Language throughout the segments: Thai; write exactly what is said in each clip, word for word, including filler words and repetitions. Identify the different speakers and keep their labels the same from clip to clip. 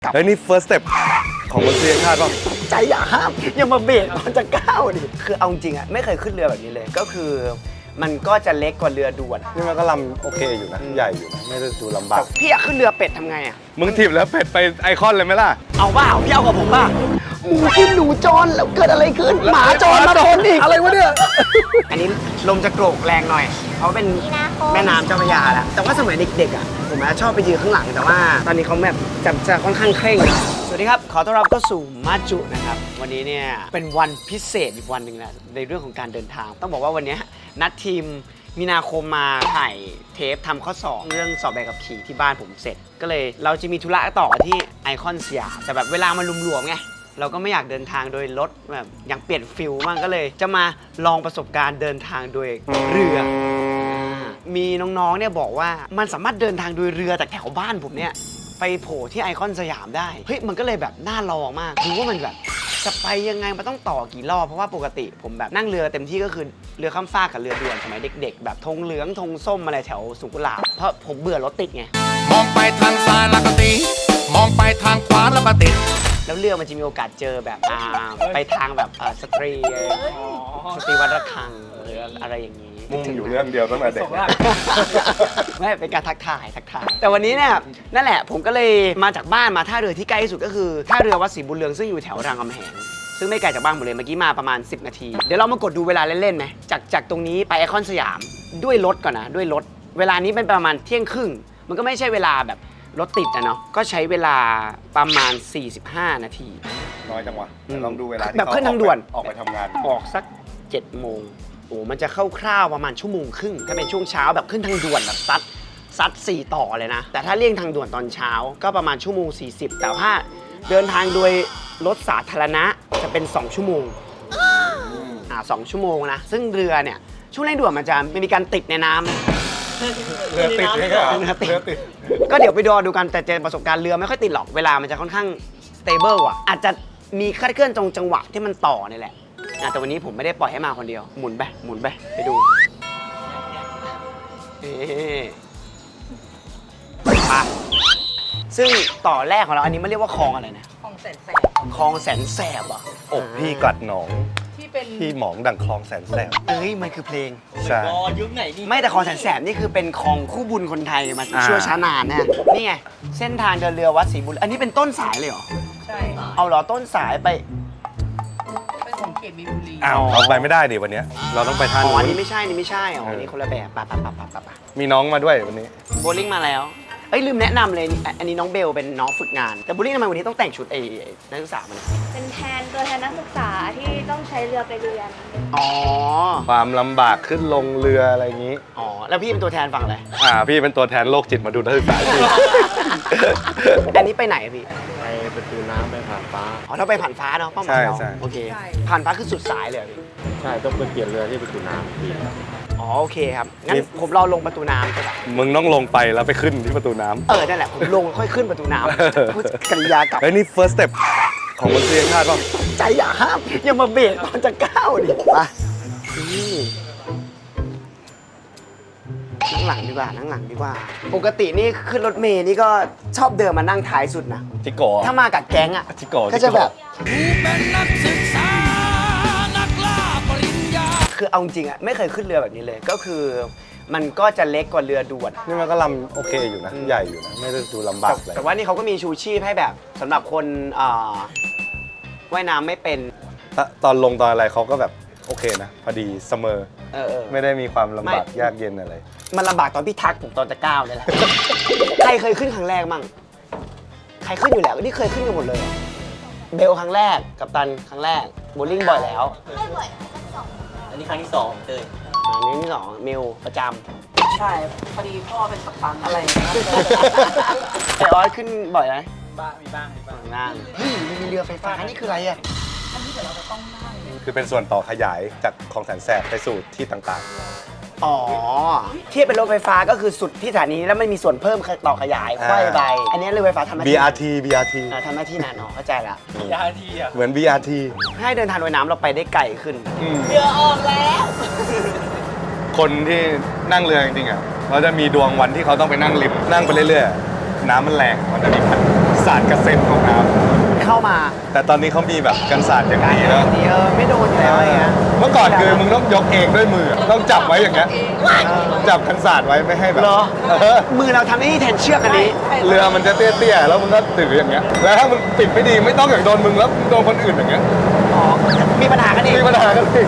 Speaker 1: เฮ้ยนี่ first step ของมนุษยชาติป่ะ
Speaker 2: ใจอย่าห้ามอย่ามาเบรกก่อนจะก้าวดิคือเอาจริงอ่ะไม่เคยขึ้นเรือแบบนี้เลยก็คือมันก็จะเล็กกว่าเรือด่วน
Speaker 1: นี่มันก็ลำโอเคอยู่นะใหญ่อยู่นะไม่ได้ดูลำบาก
Speaker 2: พี่อยากขึ้นเรือเป็ดทำไงอ่ะ
Speaker 1: มึงถีบแล้วเป็ดไปไอคอนเลยไหมล่ะ
Speaker 2: เอาบ้าพี่เอากับผมบ้าหมูกินหนูจรแล้วเกิดอะไรขึ้นหมาจรมาชนอีกอะไรวะเนี่ยอันนี้ลมจะโกรกแรงหน่อยเพราะเป็นแม่น้ำเจ้าพระยาแหละแต่ว่าสมัยเด็กๆอ่ะผมชอบไปยืนข้างหลังแต่ว่าตอนนี้เขาแบบจะจะค่อนข้างเคร่งสวัสดีครับขอต้อนรับเข้าสู่มาจุนะครับวันนี้เนี่ยเป็นวันพิเศษอีกวันหนึ่งนะในเรื่องของการเดินทางต้องบอกว่าวันนี้นัดทีมมีนาคมมาถ่ายเทปทำข้อสอบเรื่องสอบใบขับขี่ที่บ้านผมเสร็จก็เลยเราจะมีธุระต่อที่ไอคอนสยามแต่แบบเวลามันหลวมๆไงเราก็ไม่อยากเดินทางโดยรถแบบอย่างเปลี่ยนฟิลบ้างก็เลยจะมาลองประสบการณ์เดินทางโดยเรือมีน้องๆเนี่ยบอกว่ามันสามารถเดินทางโดยเรือจากแถวบ้านผมเนี่ยไปโผล่ที่ไอคอนสยามได้เฮ้ยมันก็เลยแบบน่าลองมากดูว่ามันแบบจะไปยังไงมันต้องต่อกี่รอบเพราะว่าปกติผมแบบนั่งเรือเต็มที่ก็คือเรือข้ามฟากกับเรือด่วนสมัยเด็กๆแบบธงเหลืองธงส้มอะไรแถวสุขุลาเพราะผมเบื่อรถติดไง
Speaker 3: มองไปทางซ้ายแล้วก็ติดมองไปทางขวาแล้วก็ติด
Speaker 2: แล้วเรือมันจะมีโอกาสเจอแบบอ่าไปทางแบบสตรีสตรีวัดระฆังหรืออะไรอย่างนี้
Speaker 1: มุ่งอยู่เรื่องเดียวตั้งแต่เด็ก
Speaker 2: ไม่เป็นการทักทายทักทายแต่วันนี้เนี่ยนั่นแหละผมก็เลยมาจากบ้านมาท่าเรือที่ใกล้ที่สุดก็คือท่าเรือวัดศรีบุญเรืองซึ่งอยู่แถวรามคำแหงซึ่งไม่ไกลจากบ้านผมเลยเมื่อกี้มาประมาณสิบนาทีเดี๋ยวเรามากดดูเวลาเล่นๆไหมจากจากตรงนี้ไปไอคอนสยามด้วยรถก่อนนะด้วยรถเวลานี้เป็นประมาณเที่ยงครึ่งมันก็ไม่ใช่เวลาแบบรถติดนะเนาะก็ใช้เวลาประมาณสี่สิบห้านาที
Speaker 1: น้อยจังวะลองดูเวลา
Speaker 2: แบบขึ้นทางด่วน
Speaker 1: ออกไปทำงาน
Speaker 2: ออกสักเจ็ดโมงโอ้มันจะเข้าคร่าวประมาณชั่วโมงครึ่งถ้าเป็นช่วงเช้าแบบขึ้นทางด่วนแบบซัดซัดสี่ต่อเลยนะแต่ถ้าเลี่ยงทางด่วนตอนเช้าก็ประมาณชั่วโมงสี่สิบแต่ถ้าเดินทางโดยรถสาธารณะจะเป็นสองชั่วโมงอ่าสองชั่วโมงนะซึ่งเรือเนี่ยช่วงเร่งด่วนมันจะมีการติดในน้ำ
Speaker 1: เรือติดไหมครับเรือติด
Speaker 2: ก็เดี๋ยวไปดูดูกันแต่เจอประสบการณ์เรือไม่ค่อยติดหรอกเวลามันจะค่อนข้างสเตเบิลอ่ะอาจจะมีคลาดเคลื่อนตรงจังหวะที่มันต่อนี่แหละแต่วันนี้ผมไม่ได้ปล่อยให้มาคนเดียวหมุนไปหมุนไปไปดูมาซึ่งต่อแรกของเราอันนี้มันเรียกว่าคลองอะไรนะ
Speaker 4: คลองแสนแสบ
Speaker 2: คลองแสนแสบอ่ะ
Speaker 1: อกพี่กัดหนอง
Speaker 4: ที่เป็น
Speaker 1: พี่หมองดังคลองแสนแสบ
Speaker 2: เอ้ยมันคือเพลง
Speaker 1: ใช่
Speaker 4: ยุคไหนนี่
Speaker 2: ไม่แต่คลองแสนแสบนี่คือเป็นคลองคู่บุญคนไทยมาชั่วช้านานนะนี่ไงเส้นทางเดินเรือวัดศรีบุญอันนี้เป็นต้นสายเลยเหรอ
Speaker 4: ใช่
Speaker 2: เอาเหรอต้นสายไป
Speaker 4: เป็นของเขตมีนบุรี
Speaker 1: อ้าวเราไปไม่ได้ดิวันนี้เราต้องไปท่านู้น
Speaker 2: อ๋ออันนี้ไม่ใช่นี่ไม่ใช่อ๋ออันนี้คนละแบบปะปะปะปะปะปะ
Speaker 1: มีน้องมาด้วยวันนี้
Speaker 2: โบลิ่งมาแล้วเอ้ยลืมแนะนำเลยอันนี้น้องเบลเป็นน้องฝึกงานแต่โบลิ่งทำไมวันนี้ต้องแต่งชุดไอ้นักศึกษามัน
Speaker 5: เป็นแทนตัวแทนนักศึกษาที่ต้องใช้เรือไปเรียน
Speaker 2: อ๋อ
Speaker 1: ความลำบากขึ้นลงเรืออะไรอย่างนี้
Speaker 2: อ๋อแล้วพี่เป็นตัวแทนฝั่งอะไร
Speaker 1: อ่าพี่เป็นตัวแทนโรคจิตมาดูนักศึกษาพี่
Speaker 2: อันนี้ไปไหนพี่
Speaker 1: ไปประตูน้ำไปผ่านฟ้า
Speaker 2: อ๋อเราไปผ่านฟ้าเนาะเป้าหมายเราโอเคผ่านฟ้าคือสุดสายเลยพี่
Speaker 1: ใช่ต้องไปเปลี่ยนเรือที่ประตูน้ำพี่
Speaker 2: อ๋อโอเคครับงั้นผมรอลงประตูน้ำก็ได้
Speaker 1: มึงต้องลงไปแล้วไปขึ้นที่ประตูน้ำ
Speaker 2: เออนั่นแหละผมลงค่อยขึ้นประตูน้ำพูดกริยากลับ
Speaker 1: เฮ้ยนี่ first step ของมนุษยชาติป่ะ
Speaker 2: ใจอย่าห้ามอย่ามาเบรกก่อนจะก้าวดิมานั่งหลังดีกว่านั่งหลังดีกว่าปกตินี่ขึ้นรถเมล์นี่ก็ชอบเดินมานั่งท้ายสุดนะ
Speaker 1: จิโก้
Speaker 2: ถ้ามากับแก๊งอ่ะ
Speaker 1: จิโก้
Speaker 2: ก็จะแบบคือเอาจริงอ่ะไม่เคยขึ้นเรือแบบนี้เลยก็คือมันก็จะเล็กกว่าเรือด่วน
Speaker 1: นี่มันก็ลำโอเคอยู่นะใหญ่อยู่นะไม่ได้ดูลำบากเลย
Speaker 2: แต่ว่านี่เขาก็มีชูชีพให้แบบสำหรับคนว่ายน้ำไม่เป็น
Speaker 1: ตอนลงตอนอะไรเขาก็แบบโอเคนะพอดีเสมอ
Speaker 2: เออ
Speaker 1: ไม่ได้มีความลำบากยากเย็นอะไร
Speaker 2: มันลำบากตอนพี่ทักผมตอนจะก้าวเลยแหละใครเคยขึ้นครั้งแรกมั่งใครขึ้นอยู่แล้วนี่เคยขึ้นกันหมดเลยเบลครั้งแรกกัปตันครั้งแรกโบลิ่งบ่อยแล้ว
Speaker 5: ไม่บ่อยสอง
Speaker 4: อันนี้ครั้งที่สองเตย
Speaker 2: อันนี้ที่สองมิวประจ
Speaker 4: ำใช่พอดีพ่อเป็นกัปตันอะไร
Speaker 2: ไอออสขึ้นบ่อยไหม
Speaker 4: บ้างมีบ้างมีบ้าง
Speaker 2: งานเฮ้ยมีเรือไฟฟ้านี่คืออะไรอ่ะ
Speaker 4: อันนี้เดี๋ยวเราจะต้องนั่ง
Speaker 1: คือเป็นส่วนต่อขยายจากคลองแสนแสบไปสู่ที่ต่าง
Speaker 2: ๆอ๋อเทียบเป็นรถไฟฟ้าก็คือสุดที่สถานีแล้วไม่มีส่วนเพิ่มต่อขยายค่อยไปอันนี้เรือไฟฟ้าทำหน้าที่
Speaker 1: บี อาร์ ที บี อาร์ ที
Speaker 2: ทำหน้าที่นานอ๋อเข้าใจละ
Speaker 4: บี อาร์ ที อ่ะ
Speaker 1: เหมือน บี อาร์ ที
Speaker 2: ให้เดินทางโดยน้ำเราไปได้ไกลขึ้น
Speaker 4: เรือออกแล้ว
Speaker 1: คนที่นั่งเรือจริงๆอ่ะเขาจะมีดวงวันที่เขาต้องไปนั่งริมนั่งไปเรื่อยๆน้ำมันแรงมันจะมีพันสาดกระเซ็นของน้
Speaker 2: เข้ามา
Speaker 1: ำแต่ตอนนี้เขามีแบบกันสาดอย่าง
Speaker 2: การ
Speaker 1: ดี
Speaker 2: เอ
Speaker 1: แล้ว
Speaker 2: อเออไม่โดนอยู่แล้วอะไรเงี้ย
Speaker 1: เมื่อก่อนคือมึงต้องยกเองด้วยมือต้องจับไว้อย่างเงี้ยจับกันสาดไว้ไม่ให้แบบ
Speaker 2: เหรอ
Speaker 1: เออ
Speaker 2: มือเราทำหน้าที่แทนเชือกอันนี้
Speaker 1: เรือมันจะเตี้ยๆแล้วมึงก็ถืออย่างเงี้ยแล้วถ้ามึงปิดไม่ดีไม่ต้องอย่างโดนมึงแล้วโดนคนอื่นอย่างเงี้ย
Speaker 2: อ๋อ มีปัญหากันเอง
Speaker 1: มีปัญหากันสิ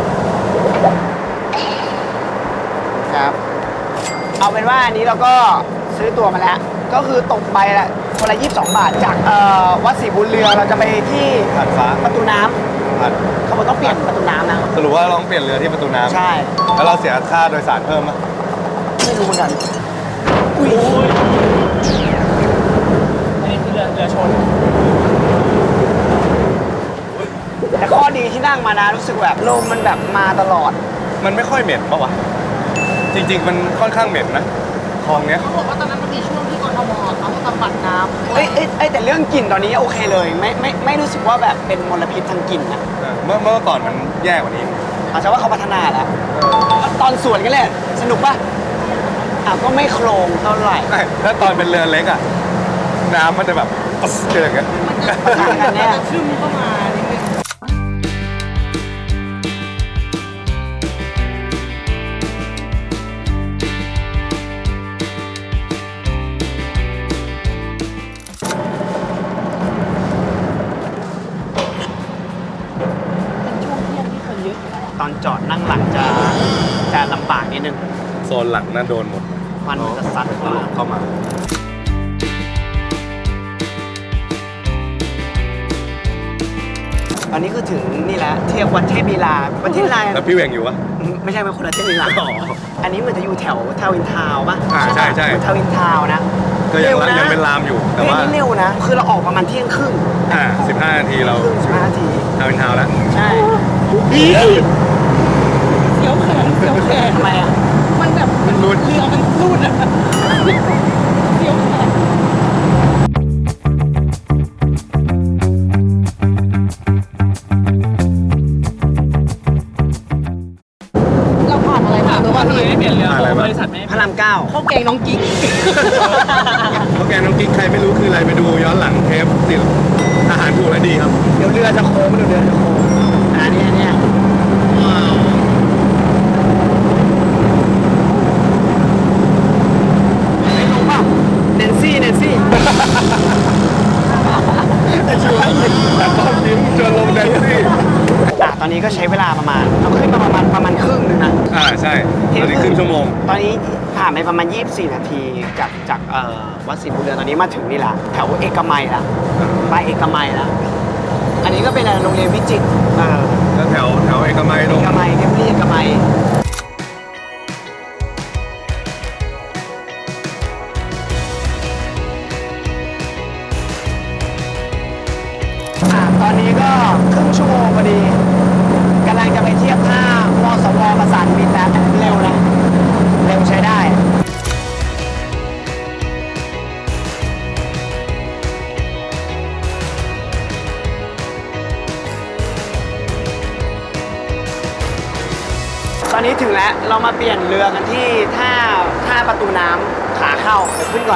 Speaker 2: ครับ เอาเป็นว่าอันนี้เราก็ซื้อตัวมาแล้ว ก็คือตกใบละคนละยี่สิบสองบาท จากเอ่อวัดศรีบุญเรือเราจะไปที่
Speaker 1: ผ่านฟ้า
Speaker 2: ประตูน้ำ
Speaker 1: ผ่าน
Speaker 2: เขาบอกต้องเปลี่ยนประตูน้ำนะ
Speaker 1: สรุปว่าเราต้องเปลี่ยนเรือที่ประตูน้ำ
Speaker 2: ใช่
Speaker 1: แล้วเราเสียค่าโดยสารเพิ่มไหม
Speaker 2: ไม่รู้เหมือนกัน อุ้ย
Speaker 4: อันนี้คือเรือเรือชน
Speaker 2: แต่ข้อดีที่นั่งมานะรู้สึกแบบลมมันแบบมาตลอด
Speaker 1: มันไม่ค่อยเหม็นปะวะจริง ๆ มันค่อนข้างเหม็นนะคลองเนี้ย
Speaker 6: เขาบอกว่าตอนนั้นมันมีช่วงที่กทมเขาบำบัดน้ำ
Speaker 2: เอ้ยเอ้ยเอ้ยแต่เรื่องกลิ่นตอนนี้โอเคเลย ไม่ไม่ไม่รู้สึกว่าแบบเป็นมลพิษทางกลิ่นนะ
Speaker 1: เออเมื่อเมื่อก่อนมันแย่กว่านี้
Speaker 2: อาจจะว่าเขาพัฒนาแล้ว ตอนสวนกันเลยสนุกปะอ่ะก็ไม่โครงเท่าไหร่
Speaker 1: ใช่ถ้าตอนเป็นเรือเล็กอ่ะ น้ำมันจะแบบปึ๊สเจออย่างเงี้ย
Speaker 2: ปะทะกันแน่
Speaker 6: ชื่อมันเข้ามานิดนึง
Speaker 2: ตอนจอดนั่งหลังจะจะลำบากนิดนึง
Speaker 1: โซนหลังน่าโดนหมด
Speaker 2: ควันมันจะซัด
Speaker 1: ตลบเข้ามา
Speaker 2: ตอนนี้คือถึงนี่แหละเทียบวัดเทพลีลาวัดเทพลีลา
Speaker 1: แล้วพี่เวงอยู่วะ
Speaker 2: ไม่ใช่เป็นคนละเทพลีลา
Speaker 1: อ๋อ
Speaker 2: อันนี้เหมือนจะอยู่แถวทาวินทาวน์ป่ะ
Speaker 1: อ่าใช่ใช่
Speaker 2: ทาวินทาวน์นะ
Speaker 1: ก็ยัง
Speaker 2: ร็วะ
Speaker 1: ยังเป็นลามอยู่ แต่
Speaker 2: เฮ้ย
Speaker 1: ว่า
Speaker 2: อันนี้เร็วนะ คือเราออกประมาณเที่ยงครึ่ง
Speaker 1: อ่าสิบห้านาทีเรา
Speaker 2: ครึ่งสิบห้านาที
Speaker 1: ทาวน์อินทาวน์แล้ว
Speaker 2: ใช่
Speaker 6: เสียวแขนเสียวแขน
Speaker 2: ทำไมอ่ะ
Speaker 6: มันแบบ
Speaker 1: มันรุด
Speaker 6: เรือมันรูดอะเสียวแขนเราผ่านอะไรมาหรือว่า
Speaker 4: ทำไมไม่เปลี่ยนเรือ
Speaker 1: อะไร
Speaker 4: ของ
Speaker 1: บ้าง
Speaker 4: บริษัทไม่
Speaker 2: พระรามเก้า
Speaker 6: ข้าวแกงน้องกิ๊ก
Speaker 1: เพราะแกน้องกิ๊กใครไม่รู้คืออะไรไปดูย้อนหลังเทปติดอาหารถูกและดีครับ
Speaker 2: เดี๋ยวเรือจะโค้งเดี๋ยวเรือจะโค้งอันนี้อันเนี้ยไม่รู้ป่ะแนนซี่แนนซี่
Speaker 1: แต่ตอนยิ้มจนลงแดนซี่
Speaker 2: อ่ะตอนนี้ก็ใช้เวลาประมาณเราขึ้นมาประมาณประมาณครึ่งนึงนะ
Speaker 1: อ่าใช่ตอนนี้ครึ่งชั่วโมง
Speaker 2: ตอนนี้ผ่านไปประมาณยี่สิบสี่นาทีจากจากเอ่อวัดศรีบุญเรือนตอนนี้มาถึงนี่แหละแถวเอกมัยละไปเอกมัยละอันนี้ก็เป็นโรงเรียนวิจิตรเออ
Speaker 1: แล้วแถวแถวเอกมัยล
Speaker 2: เอง กมัยเทมเพลตเอกมัยอ่ะตอนนี้ก็ครึ่งชั่วโมงพอดีกำลังจะไปเทียบท่ามสวประสานมิตรแล้วเร็วนะเร็วใช้ได้ ตอนนี้ถึงแล้วเรามาเปลี่ยนเรือกันที่ท่าท่าประตูน้ำขาเข้าเดี๋ยวขึ้นก่อน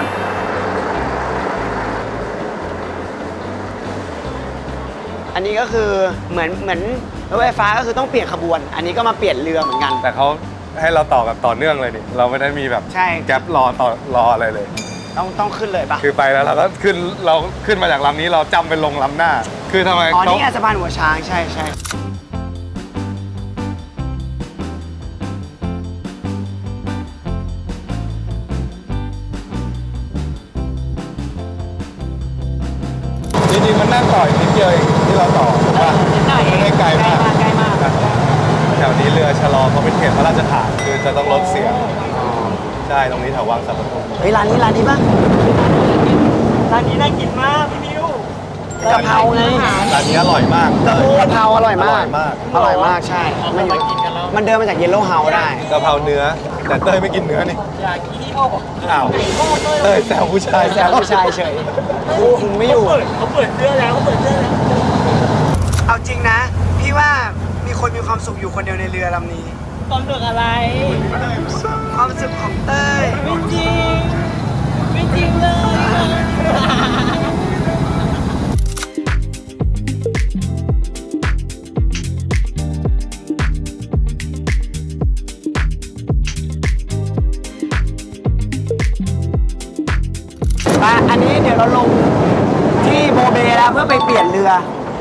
Speaker 2: อันนี้ก็คือเหมือนเหมือนรถไฟฟ้าก็คือต้องเปลี่ยนขบวน อันนี้ก็มาเปลี่ยนเรือเหมือนกัน
Speaker 1: แต่เขาให้เราต่อแบบต่อเนื่องเลยดิเราไม่ได้มีแบบ
Speaker 2: ใช่
Speaker 1: แก๊ปรอต่อรออะไรเลย
Speaker 2: ต้องต้องขึ้นเลยปะ
Speaker 1: คือไปแล้วเราก็ขึ้นเราขึ้นมาจากลำนี้เราจำเป็นลงลำหน้า คือทำไม
Speaker 2: อ๋อ
Speaker 1: เขา
Speaker 2: นี่ไงสะพานหัวช้างใช่ใช่
Speaker 1: จริงๆมันนั่งต่ออีกนิดเดียวเองที่เราต่อถูกป่ะ
Speaker 2: นิดหน่อย
Speaker 1: ไม่ได้ไกลมาก
Speaker 2: ใกล้มาก
Speaker 1: แถวนี้เรือชะลอเขาเป็นเขตพระราชฐานคือจะต้องลดเสียงใช่ตรงนี้แถววังสัมปทุม
Speaker 2: เฮ้ยร้านนี้ร้านนี้ปะ
Speaker 4: ร้านนี้น่ากินมากพี่มิว
Speaker 2: กะเพราไง
Speaker 1: ร้านนี้อร่อยมาก
Speaker 2: กะเพราอร่อยมาก
Speaker 1: อร่อยมาก
Speaker 2: อร่อยมากใช่ มันอยู่มันเดินมาจากเยลโล่เฮาส์ได้
Speaker 1: กะเพราเนื้อ แต่เต้ยไม่กินเนื้อนี่
Speaker 4: อยากกินที่พ่อบอก
Speaker 1: อ้าวเต้ยแซวผู้ชาย
Speaker 2: แซวผู้ชายเฉยคุมไม่อยู่
Speaker 4: เปิดเขาเปิดเสื้อแล้วเขาเปิดเสื้อแล้ว
Speaker 2: เอาจริงนะ พี่ว่ามีคนมีความสุขอยู่คนเดียวในเรือลำนี้
Speaker 4: ความสุขอะไร
Speaker 2: ความสุขของเต้ย
Speaker 4: ไม่จริง ไม่จริงเลย
Speaker 2: เพื่อไปเปลี่ยนเรือ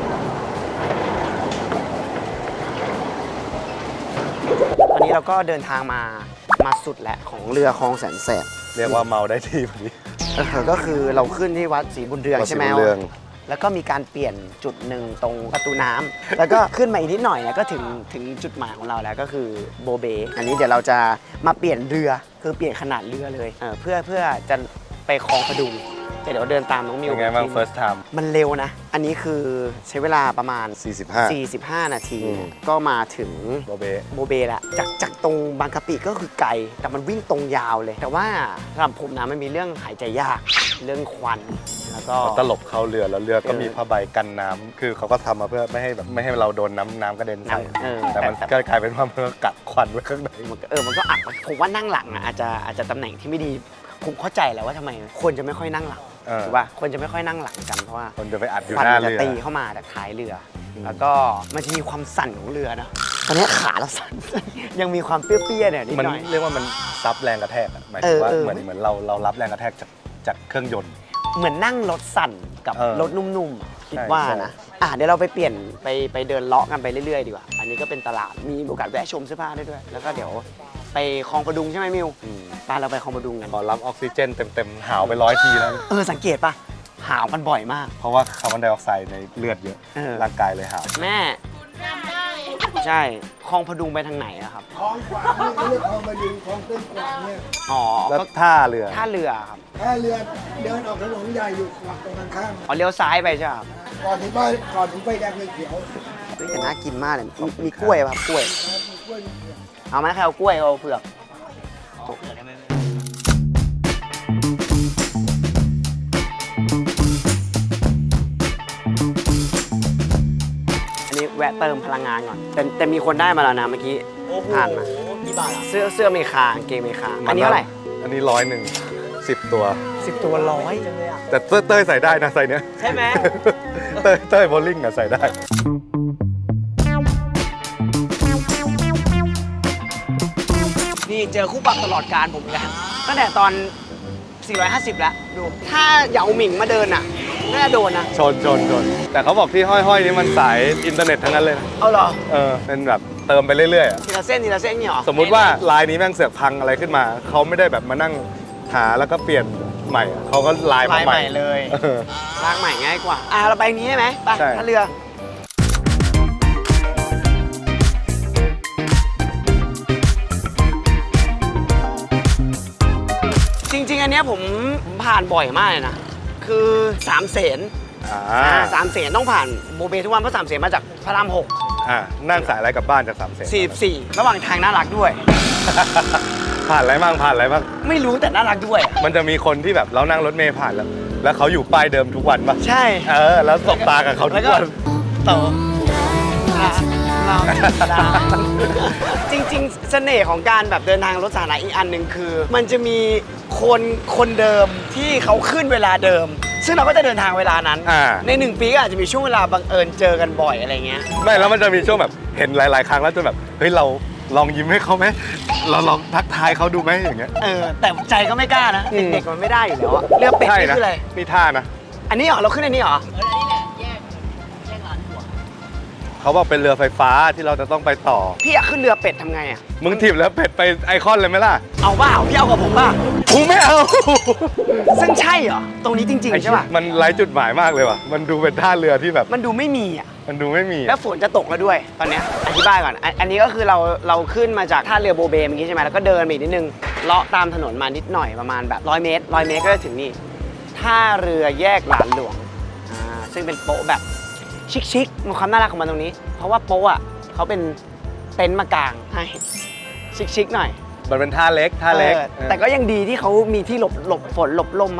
Speaker 2: ตอนนี้เราก็เดินทางมามาสุดแล้วของเรือคลองแสนแสบ
Speaker 1: เรียกว่าเมาได้ที่พอดี
Speaker 2: เออก็คือเราขึ้นที่วัดศรีบุญเรือง
Speaker 1: วัดศรี
Speaker 2: ใช่ไหม
Speaker 1: บุญเรือง
Speaker 2: แล้วก็มีการเปลี่ยนจุดหนึ่งตรงประตูน้ำแล้วก็ขึ้นมาอีกนิดหน่อยเนี่ยก็ถึงถึงจุดหมายของเราแล้วก็คือโบเบอันนี้เดี๋ยวเราจะมาเปลี่ยนเรือคือเปลี่ยนขนาดเรือเลยเออเพื่อเพื่อจะไปคลองพดุงแต่เดี๋ยวเดินตามน้องมิว
Speaker 1: เป็นไงบ้าง first time
Speaker 2: มันเร็วนะ อันนี้คือใช้เวลาประมาณ
Speaker 1: สี่สิบห้า
Speaker 2: สี่สิบห้า นาที
Speaker 1: อืม
Speaker 2: ก็มาถึง
Speaker 1: โบเบ
Speaker 2: โบเบละจากจากตรงบางกะปิก็คือไกล แต่มันวิ่งตรงยาวเลย แต่ว่าสำหรับผมนะมันมีเรื่องหายใจยาก เรื่องควัน แล้วก็
Speaker 1: ตลบเข้าเรือแล้วเรือก็
Speaker 2: เออ
Speaker 1: มีผ้าใบกันน้ำคือเขาก็ทำมาเพื่อไม่ให้แบบไม่ให้เราโดนน้ำน้ำกระเด็นใส่
Speaker 2: น้ำเออ
Speaker 1: แต่มัน
Speaker 2: แต่
Speaker 1: ก็กลายเป็นว่ามันก็กัดควันไว้ข้างใน
Speaker 2: มันก็เออมันก็อัดผมว่านั่งหลังอ่ะอาจจะอาจจะตำแหน่งที่ไม่ดีผมเข้าใจแหล้วว่าทำไมคนจะไม่ค่อยนั่งหลัง
Speaker 1: เออ
Speaker 2: ถูกป่ะคนจะไม่ค่อยนั่งหลังกันเพราะว่า
Speaker 1: คนจะไปอัดอยู่
Speaker 2: ควัน
Speaker 1: หน้า
Speaker 2: จะ
Speaker 1: เรือ
Speaker 2: ตีเข้ามาจากท้ายเรืออแล้วก็มันจะมีความสั่นของเรือนะตอนนี้ขาเราสั่น ยังมีความเปรี้ยวๆเนี่ยนิด
Speaker 1: มัน
Speaker 2: หน่อย
Speaker 1: เรียกว่ามันซับแรงกระแทกอะหมายถึงว่า
Speaker 2: เออเออ
Speaker 1: เหมือนเหมือนเราเรารับแรงกระแทกจากจากเครื่องยนต์
Speaker 2: เหมือนนั่งรถสั่นกับ
Speaker 1: เออ
Speaker 2: รถนุ่มๆอะคิด
Speaker 1: ใช่
Speaker 2: ว่า
Speaker 1: ใช่
Speaker 2: นะอ่ะเดี๋ยวเราไปเปลี่ยนไปไปเดินเลาะกันไปเรื่อยๆดีกว่า อันนี้ก็เป็นตลาดมีโอกาสแวะชมเสื้อผ้าได้ด้วย แล้วก็เดี๋ยวไปคลองประดุงใช่ไหมมิวไปเราไปคลองประดุงกัน
Speaker 1: พอรับออกซิเจนเต็มๆหาวไปร้อยทีแล้ว
Speaker 2: เออสังเกตปะหาวกันบ่อยมาก
Speaker 1: เพราะว่าคาร์บอนไดออกไซด์ในเลือดเยอะ
Speaker 2: เออ
Speaker 1: ร่างกายเลยหาว
Speaker 2: แม่ใช่คลองประดุงไปทางไหนอะครับ
Speaker 7: คลองขวางนี่เขาเรียกคลองมาดึงคลองเส้นขวางเนี่ย
Speaker 2: อ๋อ
Speaker 1: แล้ว
Speaker 2: ก็
Speaker 1: ท่าเรือ
Speaker 2: ท่าเรือครับ
Speaker 7: ถ้าเรือเดินออกถนนใหญ่อยู่ฝั่งตรงกันข้าม
Speaker 2: อ๋อเลี้ยวซ้ายไปใช่ไหมครับ
Speaker 7: ก่อนถึงบ้านก่อนถึงไฟแดงไฟเขียว
Speaker 2: เฮ้ยแต่น่ากินมากเลยมีมีกล้วยป่ะครับกล้วย
Speaker 7: มีกล้วยมีเผือก
Speaker 2: เอาไหมใครเอากล้วยเอาเผือกอันนี้แวะเติมพลังงานก่อน แต่แต่มีคนได้มาแล้วนะเมื่อกี้
Speaker 4: โอ้โห
Speaker 2: ผ่านมา
Speaker 4: กี่บาทอ่ะ
Speaker 2: เสื้อเสื้อเมคากางเกงเมคาอันนี้เท่าไหร่
Speaker 1: อันนี้ร้อยหนึ่งสิบตัว
Speaker 2: สิบตัวร้อย
Speaker 1: แต่เต้ยเต้ยใส่ได้นะใส่เนี้ย
Speaker 4: ใช่ไหม
Speaker 1: เต้ยเต้ยโบลิ่งอะใส่ได้
Speaker 2: นี่เจอคู่ปรับตลอดการผมอีกแล้วตั้งแต่ตอน สี่ร้อยห้าสิบ แล้วดู ถ้าเหยาหมิงมาเดินอ่ะน่าจะโดนนะ
Speaker 1: ชนชนชนแต่เขาบอกที่ห้อยๆนี้มันสายอินเทอร์เน็ตทั้งนั้นเลยนะ
Speaker 2: เอาเหรอ
Speaker 1: เออเป็นแบบเติมไปเรื่อยๆอะ
Speaker 2: ทีละเส้นทีละเส้นเนี่ยเหรอ
Speaker 1: สมมุติว่าลายนี้แม่งเสือกพังอะไรขึ้นมา เขาไม่ได้แบบมานั่งหาแล้วก็เปลี่ยนใหม่อะเขาก็ลายมา
Speaker 2: ลาย
Speaker 1: ให
Speaker 2: ให
Speaker 1: ม่
Speaker 2: ม่เลย
Speaker 1: เออ
Speaker 2: ล้างใหม่ง่ายกว่า อ่ะเราไปนี้ใช่ไหมไป
Speaker 1: ใช่
Speaker 2: ท่าเรือ จริงๆ อันเนี้ยผมผมผ่านบ่อยมากเลยนะ คือสามเสน
Speaker 1: อ่า
Speaker 2: อ่าสามเสนต้องผ่านโบเบทุกวันเพราะสามเสนมาจากพระรามหก
Speaker 1: อ่านั่งสายอะไรกลับบ้านจากสามเสน
Speaker 2: สี่สิบสี่ระหว่างทางน่ารักด้วย
Speaker 1: ผ่านอะไรบ้างผ่านอะไรบ้าง
Speaker 2: ไม่รู้แต่น่ารักด้วยอะ
Speaker 1: มันจะมีคนที่แบบเรานั่งรถเมล์ผ่านแล้ว แล้วเขาอยู่ป้ายเดิมทุกวันปะ
Speaker 2: ใช่
Speaker 1: เออ แล้วสบตากับเขาทุ
Speaker 2: แล้ว
Speaker 1: ก
Speaker 2: ก็
Speaker 1: วัน
Speaker 2: ต่อเราจริงๆ เสน่ห์ของการแบบเดินทางรถสาธารณะอีกอันหนึ่งคือ มันจะมีคนคนเดิมที่เขาขึ้นเวลาเดิม ซึ่งเราก็จะเดินทางเวลานั้น
Speaker 1: อ่า
Speaker 2: ในหนึ่งปีก็อาจจะมีช่วงเวลาบังเอิญเจอกันบ่อยอะไรเงี้ย
Speaker 1: ไม่แล้วมันจะมีช่วงแบบเห็นหลาย ๆ ครั้งแล้วจนแบบเฮ้ยเราลองยิ้มให้เขาไหมเราลองทักทายเขาดูไหมอย่างเงี้ย
Speaker 2: เออ แต่ใจก็ไม่กล้านะ
Speaker 1: อืม
Speaker 2: เด็กๆมันไม่ได้อยู่แล้วอะเรือเป็ด
Speaker 1: ใช่
Speaker 2: นี่
Speaker 1: นะ
Speaker 2: คืออะไร
Speaker 1: นี่ท่านะ
Speaker 2: อันนี้เหรอ เราขึ้นอันนี้เหรอ
Speaker 1: เขาบอกเป็นเรือไฟฟ้าที่เราจะต้องไปต่อ
Speaker 2: พี่อยากขึ้นเรือเป็ดทำไงอะ
Speaker 1: มึงถีบแล้วเป็ดไปไอคอนเลยไหมล่ะ
Speaker 2: เอาเปล่าพี่เอากับผมป่ะ
Speaker 1: กูไม่เอา
Speaker 2: ซึ่งใช่เหรอ ตรงนี้จริงๆใช่ป่ะ
Speaker 1: มันไร้จุดหมายมากเลยว่ะ มันดูเป็นท่าเรือที่แบบ
Speaker 2: มันดูไม่มีอ่ะ
Speaker 1: มันดูไม่มี
Speaker 2: แล้วฝนจะตกแล้วด้วย ตอนเนี้ยอธิบายก่อนอันอันนี้ก็คือเราเราขึ้นมาจากท่าเรือโบเบเมื่อกี้ใช่ไหมแล้วก็เดินไปอีกนิดนึงเลาะตามถนนมานิดหน่อยประมาณแบบร้อยเมตรร้อยเมตรก็จะถึงนี่ท่าเรือแยกหลานหลวงอ่าซึ่งเป็นโป๊ะแบบชิคๆมีความน่ารักของมันตรงนี้ เพราะว่าโป๊ะอ่ะเขาเป็นเต็นท์มากางให้ชิคๆหน่อย
Speaker 1: มันเป็นท่าเล็ก ท่าเล็ก
Speaker 2: ออแต่ก็ยังดีที่เขามีที่หลบหลบฝนหลบลมให้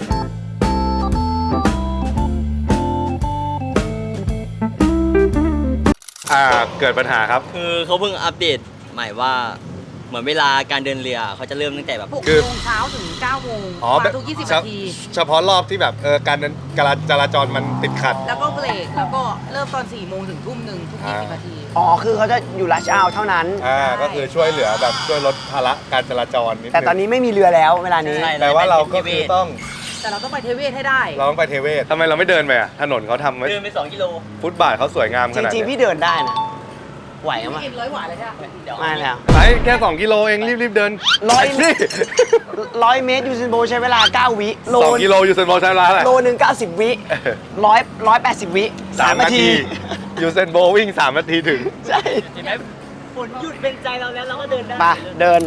Speaker 1: อ่า เกิดปัญหาครับ
Speaker 4: คือเขาเพิ่งอัปเดตใหม่ว่า เหมือนเวลาการเดินเรือเขาจะเริ่มตั้งแต่แบบ
Speaker 6: หก
Speaker 1: คือ
Speaker 6: โมงเช้าถึงเก้าโมง
Speaker 1: อ๋อ
Speaker 6: มาทุกยี่สิบนาที
Speaker 1: เฉพาะรอบที่แบบเออการเดินการจราจรมันติดขัด
Speaker 6: แล้วก็เบรก แล้วก็เริ่มตอนสี่โมงถึงทุ่มหนึ่งทุกยี่สิบนาที
Speaker 2: อ๋อคือเขาจะอยู่ลัชเอาเท่านั้น
Speaker 1: อ่า ก็คือช่วยเหลือแบบช่วยลดภาระการจราจรนิดนึง
Speaker 2: แต่ตอนนี้ไม่มีเรือแล้วเวลานี้
Speaker 4: ใช่
Speaker 1: แต่ว่าเราก็คือต้อง
Speaker 6: แต่เราต้องไปเทเวศให้ได้
Speaker 1: เราต้องไปเทเวศทำไมเราไม่เดินไปอ่ะถนนเขาทำไว้
Speaker 4: เดินไปสองกิโล
Speaker 1: ฟุตบาทเขาสวยงามข
Speaker 2: จ
Speaker 1: นาด
Speaker 2: ริงๆ
Speaker 1: เนี้
Speaker 2: พี่
Speaker 1: ย
Speaker 2: เดินได้นะ ไหวมั้ย
Speaker 6: กินร้อยหวานเลยใช่ไหม
Speaker 4: เดี๋ยว
Speaker 2: ไม่แล้ว
Speaker 1: ไปแค่สองกิโลเองรีบๆเดิน
Speaker 2: ร้อย
Speaker 1: นี่
Speaker 2: ร้อยเมตรยูเซนโบใช้เวลาเก้าวิโล
Speaker 1: สองกิโลอยู่เซนโบใช้เวลาเท่าไหร่
Speaker 2: โลหนึ่งเก้าสิบวิร้อยร้อยแปดสิบวิ
Speaker 1: สามนาทียูเซนโบวิ่งสามนาทีถึง
Speaker 2: ใช่
Speaker 4: เห็นไหมฝนหยุดเป็นใจเราแล้วเราก็เดินได้
Speaker 2: มาเดิน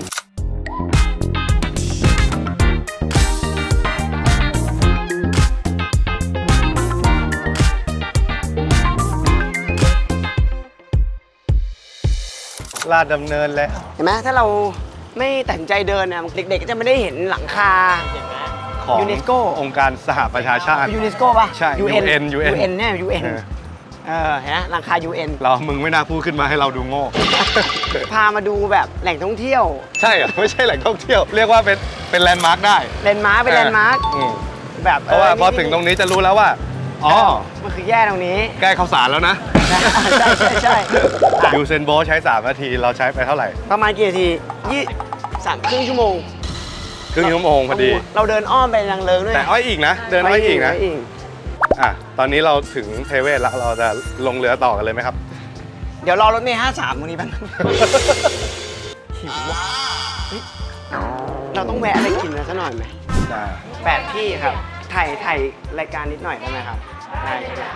Speaker 1: ลาดดำเนินแล้ว
Speaker 2: เห็นไหมถ้าเราไม่ตัดสินใจเดินเนี่ยเด็กๆก็จะไม่ได้เห็นหลังคา
Speaker 4: เห็นไหม
Speaker 1: ของ
Speaker 2: ยูเนสโก
Speaker 1: องค์การสหประชาชาติ
Speaker 2: ยูเนสโกป่ะ
Speaker 1: ใช่
Speaker 2: ยู
Speaker 1: ยู
Speaker 2: เอ็น
Speaker 1: เอ็น
Speaker 2: ยูเอ็นเนี่ยยูเอ็น
Speaker 1: เออ
Speaker 2: เออเห็นไหมหลังคา ยู เอ็น
Speaker 1: เรามึงไม่น่าพูดขึ้นมาให้เราดูโง่
Speaker 2: พามาดูแบบแหล่งท่องเที่ยว
Speaker 1: ใช่เหรอไม่ใช่แหล่งท่องเที่ยว เรียกว่าเป็นเป็นแลนด์มาร์คได้
Speaker 2: แลนด์มาร์คเป็นแลนด์มาร์ค
Speaker 1: อืม
Speaker 2: แบบ
Speaker 1: เพราะว่าพอถึงตรงนี้จะรู้แล้วว่า อ๋อ
Speaker 2: มันคือแย่ตรงนี้
Speaker 1: ใกล้ข้าวสารแล้วนะ
Speaker 2: ใช่ใช่ใช่ใช่อ่ะ
Speaker 1: ยูเซนโบใช้สามนาทีเราใช้ไปเท่าไหร่
Speaker 2: ประมาณกี่นาทียี่สามครึ่งชั่วโมง
Speaker 1: ครึ่งชั่วโมงพอดี
Speaker 2: เราเดินอ้อมไปนางเลิงด้วย
Speaker 1: แต่อ้อยอีกนะ เดินอ้อยอีกนะ
Speaker 2: ไปอีก
Speaker 1: อ่ะตอนนี้เราถึงเทเวศแล้วเราจะลงเรือต่อกันเลยไหมครับ
Speaker 2: เดี๋ยวรอรถเมล์ห้าสามตรงนี้แป๊บนึงหิวว่ะเฮ้ยเราต้องแวะอะไรกินนะสักหน่อยไหม
Speaker 1: ได้
Speaker 2: แปดที่ครับ ถ่ายถ่ายรายการนิดหน่อยได้ไหมครับ ได้ใช่ไหม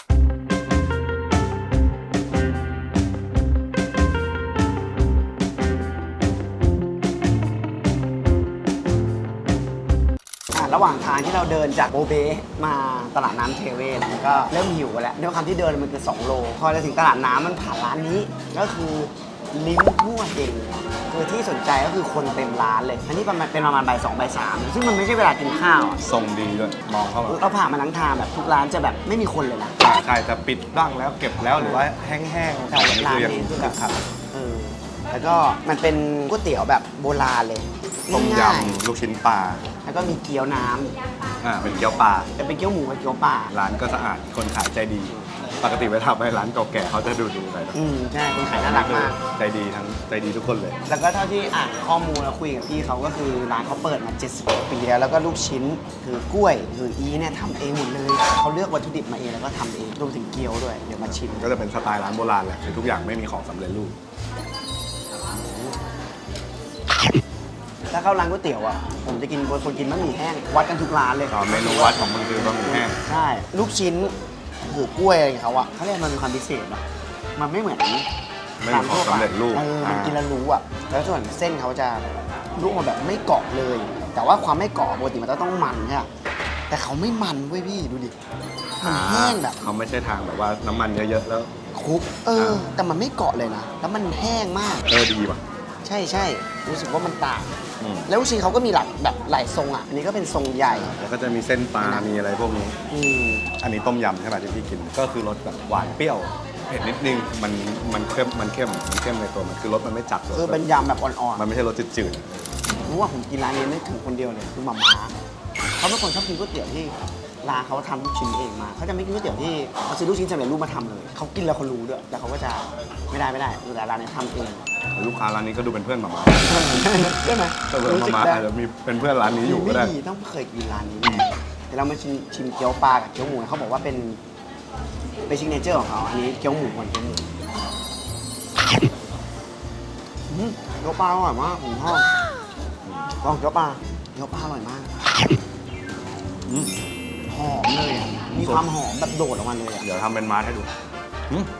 Speaker 2: อ่ะระหว่างทางที่เราเดินจากโบเบมาตลาดน้ำเทเวศก็เริ่มหิวแล้วด้วยความที่เดินมันคือสองโล พอจะถึงตลาดน้ำมันผ่านร้านนี้ ก็คือลิ้นมั่วเองคือที่สนใจก็คือคนเต็มร้านเลย อันนี้ประมาณเป็นประมาณบ่ายสองบ่ายสามซึ่งมันไม่ใช่เวลากินข้าวอ่ะ
Speaker 1: ทรงดีด้วย มองเข้ามา
Speaker 2: เราผ่านมาทั้งทางแบบทุกร้านจะแบบไม่มีคนเลยนะ
Speaker 1: อ่าใช่จะปิดบ้างแล้วเก็บแล้วหรือว่าแห้งๆ
Speaker 2: ใช่
Speaker 1: อันนี้
Speaker 2: ร้าน
Speaker 1: คือยัง
Speaker 2: นี้คือ
Speaker 1: คึ
Speaker 2: แบ
Speaker 1: ก
Speaker 2: บ
Speaker 1: คัก
Speaker 2: เออแล้วก็มันเป็นก๋วยเตี๋ยวแบบโบราณเลย
Speaker 1: ต้ม
Speaker 2: ง่าย
Speaker 1: ยำลูกชิ้นปลา
Speaker 2: ๆแล้วก็มีเกี๊ยวน้
Speaker 1: อ่าเป็นเกี๊ยวปลา
Speaker 2: ำจะเป็นเกี๊ยวหมูกับเกี๊ยวปลา
Speaker 1: ร้านก็สะอาดคนขายใจดี ปกติไปทำให้ร้านเก่าแก่เขาจะดูดูๆหน่อยนะ
Speaker 2: อืมใช่คนขายน่ารักมาก
Speaker 1: ใจดีทั้งใจดีทุกคนเลย
Speaker 2: แล้วก็เท่าที่อ่านข้อมูลแล้วคุยกับพี่เขาก็คือร้านเขาเปิดมาเจ็ดสิบปีแล้วแล้วก็ลูกชิ้นคือกล้วยคืออีเนี่ยทำเองหมดเลยเขาเลือกวัตถุดิบมาเองแล้วก็ทำเองรวมถึงเกี๊ยวด้วยเดี๋ยวมาชิม
Speaker 1: ก็จะเป็นสไตล์ร้านโบราณแหละคือทุกอย่างไม่มีของสำเร็จรูป
Speaker 2: ถ้าเข้าร้านก๋วยเตี๋ยวอ่ะผมจะกินคนกินบะหมี่แห้งวัดกันทุกร้านเลย
Speaker 1: ตอนเมนูวัดของมึงคือบะหมี่แห้ง
Speaker 2: ใช่ลูกชิ้นหูกล้วยอะไรของเขาอ่ะเขาเรียกมันมีความพิเศษอ่ะมันไม่เหมือน
Speaker 1: ไม่มีของสำเร็จรูป
Speaker 2: เออมันกินแล้วรู้อ่ะแล้วส่วนเส้นเขาจะลวกมาแบบไม่เกาะเลย แต่ว่าความไม่เกาะปกติมันจะต้องมันใช่ไหมแต่เขาไม่มันเว้ยพี่ดูดิมันแห้งแบบ
Speaker 1: เขาไม่ใช่ทางแบบว่าน้ำมันเยอะๆแล้ว
Speaker 2: คลุกเออ แต่มันไม่เกาะเลยนะแล้วมันแห้งมาก
Speaker 1: เออดีว่ะ
Speaker 2: ใช่ใช่รู้สึกว่ามันต่าง
Speaker 1: อืม
Speaker 2: แล้วลูกชิ้นเขาก็มีหลักแบบหลายทรงอ่ะอันนี้ก็เป็นทรงใหญ่
Speaker 1: แล้วก็จะมีเส้นปลา มีอะไรพวกนี้
Speaker 2: อืม
Speaker 1: อันนี้ต้มยำใช่ไหมที่พี่กิน ก็คือรสแบบหวานเปรี้ยวเผ็ดนิดนึง มันมันเข้มมันเข้มมันเข้มในตัวมันคือรสมันไม่จัดรส
Speaker 2: คือเป็นยำแบบอ่อน
Speaker 1: มันไม่ใช่รสจืด
Speaker 2: ๆรู้ว่าผมกินร้านนี้ไม่ถึงคนเดียวเลยคือหม่าม้าเขาเป็นคนชอบกินก๋วยเตี๋ยวที่ร้านเขาทำลูกชิ้นเองมาเขาจะไม่กินก๋วยเตี๋ยวที่เขาซื้อลูกชิ้นสำเร็จรูปมาทำเลยเขากินแล้วเขารู้ด้วยแต่เขาก็จะไม่ได้ไม่ได้แต่ร้านนี้ทำเอง
Speaker 1: ๆลูกค้าร้านนี้ก็ดูเป็นเพื่อนหมาม่า
Speaker 2: ใช่ไหม
Speaker 1: ถ้าเกิดหมาม่าอาจจะมีเป็นเพื่อนร้านนี้อยู่ก็ได้
Speaker 2: ไม่มีต้องเคยกินร้านนี้แน่เดี๋ยวเรามาชิมชิมเกี๊ยวปลากับเกี๊ยวหมูเขาบอกว่าเป็นเป็นซิกเนเจอร์ของเขาอันนี้เกี๊ยวหมูก่อนเกี๊ยวหมูอืมเกี๊ยวปลาอร่อยมากผมชอบลองเกี๊ยวปลาเกี๊ยวปลาอร่อยมาก
Speaker 1: อืม
Speaker 2: หอมเลยอ่ะมีความหอมแบบโดดออกมาเลยอ่ะ
Speaker 1: เดี๋ยวทำเป็นมาร์ทให้ดูอืม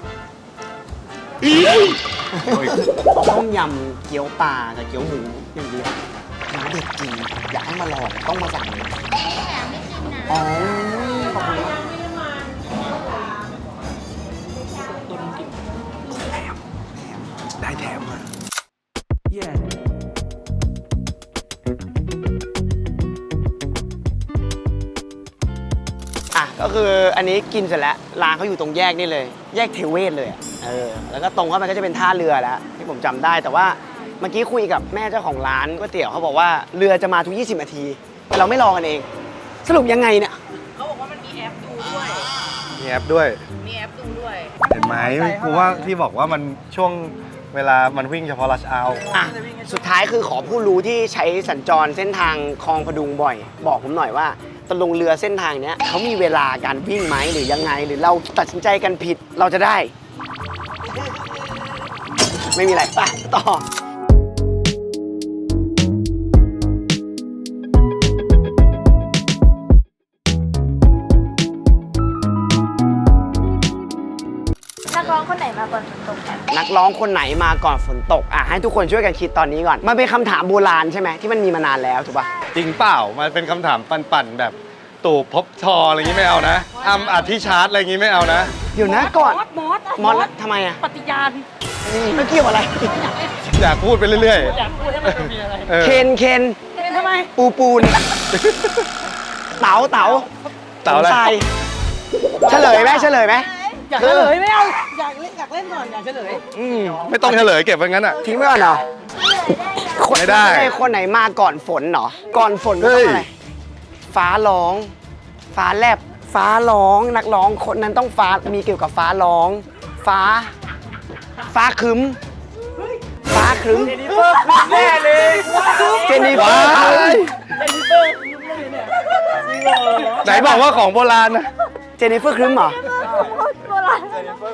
Speaker 2: เอาต้มยำเกี๊ยวปลากับเกี๊ยวหมูอย่างเดียวน้ำเด็ดจริงอยากให้มาลองต้องมาสั่งเลยอ๋อขอบคุณมากแถมแถมได้แถมมาอ่ะก็คืออันนี้กินเสร็จแล้วร้านเขาอยู่ตรงแยกนี่เลย แยกเทเวศเลยอะเออแล้วก็ตรงเข้าไปก็จะเป็นท่าเรือแล้วที่ผมจำได้แต่ว่าเมื่อกี้คุยกับแม่เจ้าของร้านก๋วยเตี๋ยวเขาบอกว่าเรือจะมาทุกยี่สิบนาทีแต่เราไม่รอกันเอง สรุปยังไงเนี่ย
Speaker 6: เขาบอกว่ามันมีแอปดูด้วย
Speaker 1: มีแอปด้วย
Speaker 6: มีแอปดูด้วย
Speaker 1: เห็นไหมกูว่าที่บอกว่ามันช่วงเวลามันวิ่งเฉพาะรัชเอา
Speaker 2: อ่ะสุดท้ายคือขอผู้รู้ที่ใช้สัญจรเส้นทางคลองพดุงบ่อย บอกผมหน่อยว่าจะลงเรือเส้นทางเนี้ยเขามีเวลาการวิ่งไหมหรือยังไง หรือเราตัดสินใจกันผิดเราจะได้ ไม่มีอะไรไปต่อ
Speaker 5: นักร้องคนไหนมาก่อนฝนตกกัน
Speaker 2: นักร้องคนไหนมาก่อนฝนตกอ่ะให้ทุกคนช่วยกันคิดตอนนี้ก่อนมันเป็นคำถามโบราณใช่ไหมที่มันมีมานานแล้วถูกป่ะ
Speaker 1: จริงเปล่ามันเป็นคำถามปั่นๆแบบตู่ภพบชออะไรอย่างงี้ไม่เอานะอ้ำอธิชาร์ตอะไรอย่างงี้ไม่เอานะ
Speaker 2: เดี๋ยวนะก่อน
Speaker 6: มอสมอส
Speaker 2: มอสทำไมอ่ะ
Speaker 6: ปฏิญาณ
Speaker 2: ไม่เกี่ยวอะไร
Speaker 1: อยากพูดไปเรื่อย
Speaker 6: อยากพูดให้มันมีอะไร
Speaker 1: ๆเออ
Speaker 2: เคนเคน
Speaker 6: เป็นทำไม
Speaker 2: ปูปูน เต๋าเต๋า
Speaker 1: เต๋าอะไร
Speaker 2: สงสัยเฉลยไหมเฉลยไหม
Speaker 6: อยากเฉลยไม่เอาอยากเล่นอยากเล่นก่อนอยากเฉลย
Speaker 2: อืม
Speaker 1: ไม่ต้องเฉลยเก็บไว้งั้นอ่ะ
Speaker 2: ทิ้งไว้ก่อนเหรอคน
Speaker 1: ไม่ได้
Speaker 2: คนไหนมาก่อนฝนเหรอ ก่อนฝนก็
Speaker 1: เฮ้
Speaker 2: ต้อง
Speaker 1: ย
Speaker 2: อะไร ฟ้าร้อง ฟ้าแลบ ฟ้าร้อง นักร้องคนนั้นต้องฟ้า มีเกี่ยวกับฟ้าร้อง ฟ้า ฟ้าครึ้ม ฟ้าครึ้ม
Speaker 6: แน่เลย
Speaker 2: เจนนิเฟอร์ครึ้ม
Speaker 1: ไหนบอกว่าของโบราณนะ
Speaker 2: เจนนิเฟอร์ครึ้มเหรอ
Speaker 5: โบราณ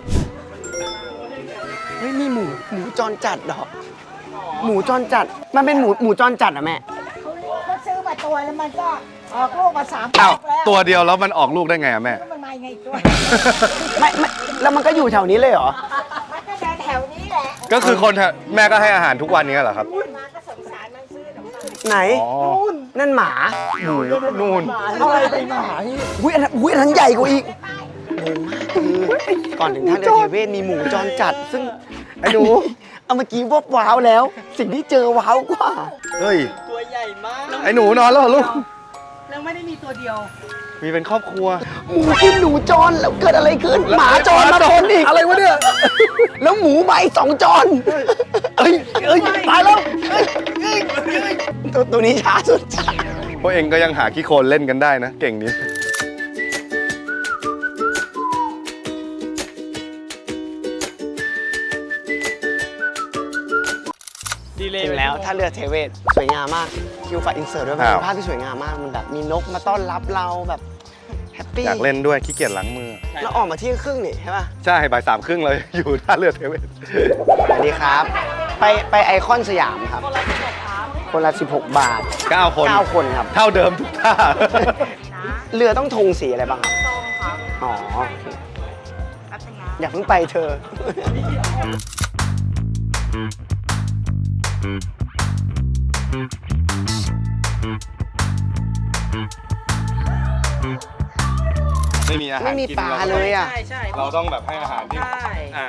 Speaker 2: เฮ้ยมีหมู หมูจรจัดเหรอ หมูจรจัด มันเป็นหมูหมูจรจัดเหรอแม่
Speaker 8: เขาซื้อมาตัวแล้วมันก็ออกลูกมาสาม
Speaker 1: อ้าว
Speaker 8: แล้ว
Speaker 1: ตัวเดียวแล้วมันออกลูกได้ไงอะแม่
Speaker 8: มันมาไงตัว
Speaker 2: ไม่ไม่แล้วมันก็อยู่แถวนี้เลยเหรอ
Speaker 8: มันก็เดินแถวนี้แหละ
Speaker 1: ก็คือคนแถวแม่ก็ให้อาหารทุกวันนี้เหรอครับ
Speaker 8: มาก็สงสารมันซื้อขนมปัง
Speaker 2: ไหน
Speaker 1: อ๋อ
Speaker 2: นั่นหมา
Speaker 1: หมูนู่น
Speaker 7: อะไรไปหมาที่
Speaker 2: อุ้ยอันนั้นอุ้ยอันนั้นใหญ่กว่าอีกงงมากคือก่อนถึงท่าเรือเทเวศมีหมูจรจัด ซึ่งไอ้หนูเอาเมื่อกี้วบว้าวแล้ว สิ่งที่เจอว้าวกว่า
Speaker 1: เฮ้ย
Speaker 2: ตัวใหญ่มาก
Speaker 1: ไอ้หนูนอนแล้วเหรอลูก
Speaker 6: แล้วไม่ได้มีตัวเดียว
Speaker 1: มีเป็นครอบครัว
Speaker 2: หมูกินหนูจรแล้วเกิดอะไรขึ้น หมาจรมาชนอีก
Speaker 1: อะไรวะเนี่ย
Speaker 2: แล้วหมูมาอีกสองจรเอ้ยเอ้ยตายแล้วเอ้ยเอ้ยเอ้ยตัวตัวนี้ช้าสุดช้า
Speaker 1: พวกเองก็ยังหาขี้โคลนเล่นกันได้นะ เก่งนี้
Speaker 2: ถึงแล้วท่าเรือเทเวศสวยงามมากคิวฝากอินเสิร์ตด้วยมัน
Speaker 1: อ้าว
Speaker 2: เป็นภาพที่สวยงามมากมันแบบมีนกมาต้อนรับเราแบบแฮปปี้
Speaker 1: อยากเล่นด้วยขี้เกียจล้างมือ
Speaker 2: เราออกมาเที่ยงครึ่งนี่ใช่ป่ะ
Speaker 1: ใช่บ่ายสามครึ่งเลย อยู่ท่าเรือเทเวศ
Speaker 2: สวัสดีครับ ไปไปไอคอนสยามครับ คนละสิบหกบาท
Speaker 1: เก้าคน
Speaker 2: เก้าคนครับ
Speaker 1: เท่าเดิมทุกท่า
Speaker 2: เรือต้องธงสีอะไรบ้างครับส้มครับอ๋อโอเคอย่าเพิ่งไปเธอ
Speaker 1: ไม่มีอาหาร
Speaker 2: ไม่มี
Speaker 1: กิน
Speaker 2: ปลา
Speaker 1: ร
Speaker 2: เลยอ่ะ
Speaker 6: ใช่ใช่
Speaker 1: เราต้องแบบให้อาหารที่
Speaker 6: ใช่
Speaker 1: อ่า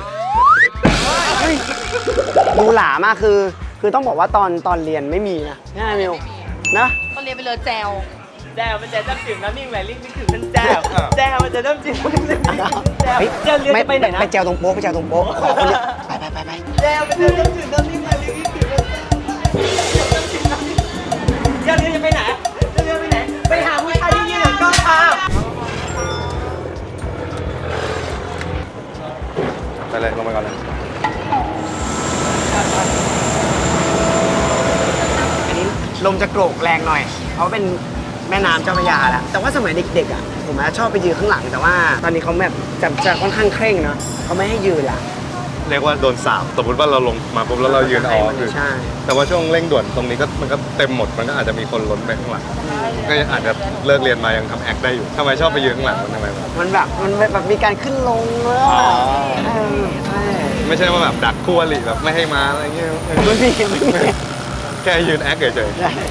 Speaker 2: ดูหลามากคือ คือต้องบอกว่าตอนตอนเรียนไม่มีนะใช่ไหมมิวนะ
Speaker 6: ตอนเรียนไปเลยแจว
Speaker 9: แจวมันจะน้ำจิ้มน้ำนิ่งแหวนลิงนึกถึงมันแจวแจวมันจะน้ำจิ้มน้ำนิ่งแจว
Speaker 2: เฮ้ย
Speaker 9: เจอเรียนจะไปไหนนะ
Speaker 2: ไปแจวตรงโป๊ะไปแจวตรงโป๊ะขอคนเดียวไปไปไปไป
Speaker 9: แจวมันจะน้ำจิ้มน้ำนิ่งแหวนลิงนึกถึงมันแจวเจอเรียนจะไปไหนเจอเรียนไปไหนไปหาผู้ชายที่ยืนหลังกล้องค่ะ
Speaker 1: ไปเลยลงไปก่อนเลย
Speaker 2: อันนี้ลมจะโกรกแรงหน่อย เพราะเป็นแม่น้ำเจ้าพระยาแล้วแต่ว่าสมัยเด็กๆอ่ะผมอะชอบไปยืนข้างหลัง แต่ว่าตอนนี้เขาแบบจะจะค่อนข้างเคร่งเนาะเขาไม่ให้ยืนละ
Speaker 1: เรียกว่าโดนสาบสมมติว่าเราลงมาปุ๊บแล้วเรายืนอ๋อคือ
Speaker 2: ใช่
Speaker 1: แต่ว่าช่วงเร่งด่วนตรงนี้ก็มันก็เต็มหมดมันก็อาจจะมีคนล้นไปข้างหลังก็ยังอาจจะเลิกเรียนมายังทำแอคได้อยู่ทำไมชอบไปยืนข้างหลังมันทำไมวะ
Speaker 2: มันแบบมันแบบมีการขึ้นลงแล้ว
Speaker 1: อ๋อ
Speaker 2: เออใช่
Speaker 1: ไม่ใช่ว่าแบบดักคู่อริแบบไม่ให้มาอะไรเงี้ย
Speaker 2: ไม่มีไม่มี
Speaker 1: แค่ยืนแอคเฉยๆ
Speaker 2: ใช่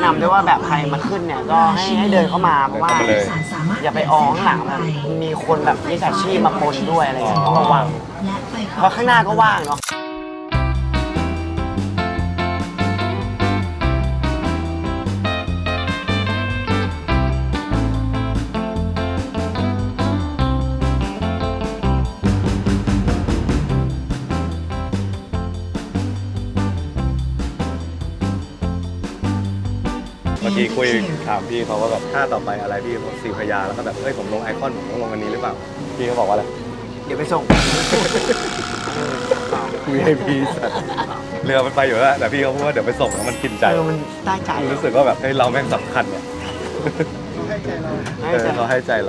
Speaker 2: นำด้วยว่าแบบใครมาขึ้นเนี่ยก็ให้ให้เดินเข้ามาเพราะว่า
Speaker 1: เดินเข้ามาเลย
Speaker 2: อย่าไปออข้างหลังมันมีคนแบบมิจฉาชีพมาปนด้วยอะไรอย่างเงี้ยต้องระวังเพราะข้างหน้าก็ว่างเนาะ
Speaker 1: เมื่อกี้คุยถามพี่เขาว่าแบบท่าต่อไปอะไรพี่เขาสี่พยาแล้วก็แบบเฮ้ยผมลงไอคอนผมต้องลงอันนี้หรือเปล่าพี่เขาบอกว่าอะไร
Speaker 2: เดี๋ยวไปส่ง
Speaker 1: วี ไอ พี สัตว์เรือมันไปอยู่แล้วแต่พี่เขาพูดว่าเดี๋ยวไปส่งแล้วมันกินใจ
Speaker 2: เออมันได้ใจ
Speaker 1: รู้สึกว่าแบบเฮ้ยเราแม่งสำคัญเนี่ย
Speaker 7: ให้ใจเรา
Speaker 2: ให้
Speaker 1: เออ
Speaker 2: ใจ
Speaker 1: เขาให้ใจเรา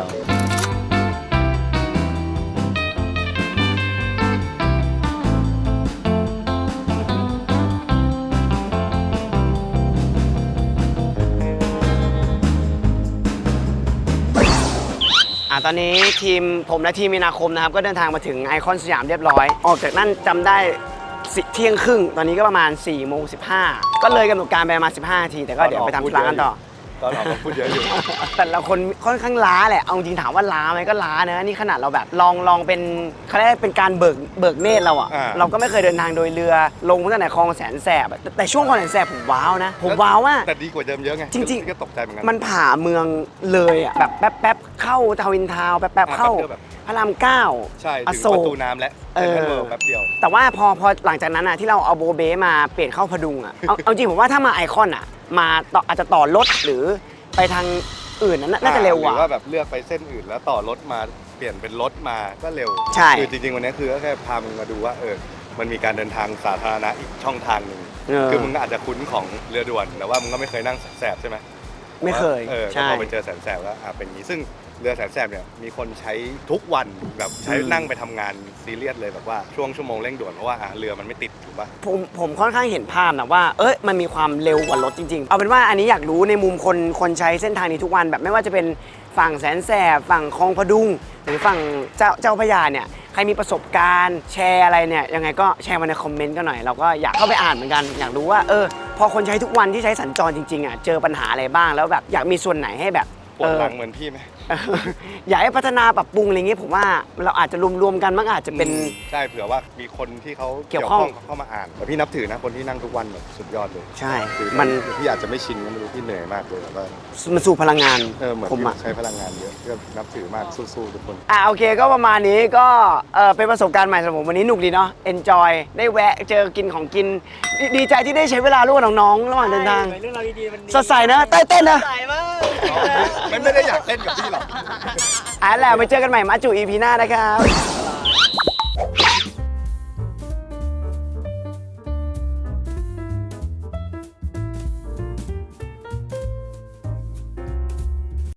Speaker 2: อ่ะตอนนี้ทีมผมและทีมมีนาคมนะครับก็เดินทางมาถึงไอคอนสยามเรียบร้อย ออกจากนั่นจำได้สิเที่ยงครึ่งตอนนี้ก็ประมาณ4ี่โมงสิบห้าก็เลยกำหนดการไปประมาณสิบห้านาทีแต่ก็เดี๋ยวไปทำธุระกันต่อ
Speaker 1: ตอนออกก็พูดเยอะอยู่
Speaker 2: แต่ละคนค่อนข้างล้าแหละเอาจริงถามว่าล้าไหมก็ล้านะนี่ขนาดเราแบบลองลองเป็นเขาเรียกเป็นการเบิกเบิกเนตรเราอะ
Speaker 1: อ่า
Speaker 2: เราก็ไม่เคยเดินทางโดยเรือลงตั้งแต่คลองแสนแสบอะแต่แต่ช่วงคลองแสนแสบผมว้าวนะผมว้าวว่า
Speaker 1: แต่ดีกว่าเดิมเยอะไง
Speaker 2: จริงๆ
Speaker 1: ๆก็ตกใจเหมือนกัน
Speaker 2: มันผ่าเมืองเลยอะแบบแป๊บแป๊บๆเข้าทาวินทาวน์แป๊บแป๊บๆเข้า
Speaker 1: แป๊บเดียวแบบ
Speaker 2: พระรามเก้า
Speaker 1: ใช่
Speaker 2: อ
Speaker 1: ถึง
Speaker 2: โศ
Speaker 1: ประ
Speaker 2: ก
Speaker 1: ตูน้ำและ
Speaker 2: เอ
Speaker 1: เซ็น
Speaker 2: อ
Speaker 1: ทรัลเวิลด์แป๊บเดียว
Speaker 2: แต่ว่าพอพอหลังจากนั้นอะที่เราเอาโบเบ้มาเปลี่ยนเข้าพดุงอะเอาเอาจริงผมว่าถ้ามาไอคอนอะมาต่ออาจจะต่อรถหรือไปทางอื่นนั้นน่าจะเร็ว
Speaker 1: ห
Speaker 2: ก
Speaker 1: รื
Speaker 2: ว่า
Speaker 1: อว่าแบบเลือกไปเส้นอื่นแล้วต่อรถมาเปลี่ยนเป็นรถมาก็เร็ว
Speaker 2: ใช่
Speaker 1: คือจริงๆวันนี้คือก็แค่พามึงมาดูว่าเออมันมีการเดินทางสาธารณะอีกช่องทางหนึ่ง
Speaker 2: เออ
Speaker 1: คือมึงอาจจะคุ้นของเรือด่วนแต่ว่ามึงก็ไม่เคยนั่งแสบใช่ไหม
Speaker 2: ไม่เคย
Speaker 1: เออ
Speaker 2: ใช่
Speaker 1: ก็พอไปเจอแสนแสบแล้วอ่ะเป็นอย่างนี้ซึ่งเรือแสนแสบเนี่ยมีคนใช้ทุกวันแบบใช้
Speaker 2: อืม
Speaker 1: นั่งไปทำงานซีเรียสเลยแบบว่าช่วงชั่วโมงเร่งด่วนเพราะว่าอ่ะเรือมันไม่ติดถูกปะ
Speaker 2: ผมผมค่อนข้างเห็นภาพนะว่า เอ้ยมันมีความเร็วกว่ารถจริงๆ เอาเป็นว่าอันนี้อยากรู้ในมุมคนคนใช้เส้นทางนี้ทุกวันแบบไม่ว่าจะเป็นฝั่งแสนแสบฝั่งคลองพดุง หรือฝั่งเจ้าเจ้าพระยาเนี่ยใครมีประสบการณ์แชร์อะไรเนี่ยยังไงก็แชร์มาในคอมเมนต์กันหน่อยเราก็อยากเข้าไปอ่านเหมือนกันอยากรู้ว่าเออพอคนใช้ทุกวันที่ใช้สัญจรจริงๆอ่ะเจอปัญหาอะไรบ้างแล้วแบบอยากมีส่วนไหนให้แบบ
Speaker 1: ปวดหลัง
Speaker 2: เออ
Speaker 1: เหมือนพี่ไหม
Speaker 2: อยากให้พัฒนาปรับปรุงอะไรเงี้ยผมว่าเราอาจจะรวมๆกันมันอาจจะเป็น
Speaker 1: ใช่เผื่อว่ามีคนที่เขา
Speaker 2: เกี่ยวข้อง
Speaker 1: เข้ามาอ่านแต่พี่นับถือนะคนที่นั่งทุกวันแบบสุดยอดเลย
Speaker 2: ใช่
Speaker 1: คือ
Speaker 2: มัน
Speaker 1: พี่อาจจะไม่ชินก็ไม่รู้พี่เหนื่อยมากเลยแบบว่า
Speaker 2: มันสู่พลังงาน
Speaker 1: เออเหมือน
Speaker 2: ผม
Speaker 1: พี่
Speaker 2: อะ
Speaker 1: ใช้พลังงานเยอะก็นับถือมากสู้ๆทุกคน
Speaker 2: อ่ะโอเคก็ประมาณนี้ก็เออเป็นประสบการณ์ใหม่สำหรับผมวันนี้หนุกดีเนาะ enjoy ได้แวะเจอกินของกินดดีใจที่ได้ใช้เวลาร่วมกับน้องๆระหว่างเดินทาง
Speaker 9: เรื่องราวดีๆมัน
Speaker 2: สดใสนะเต้นเต้นนะ
Speaker 9: ใสมาก
Speaker 1: มันไม่ได้อยากเต้นกับพี่หรอก
Speaker 2: อ่ะแหละไปเจอกันใหม่มาจู อี พี หน้านะครับ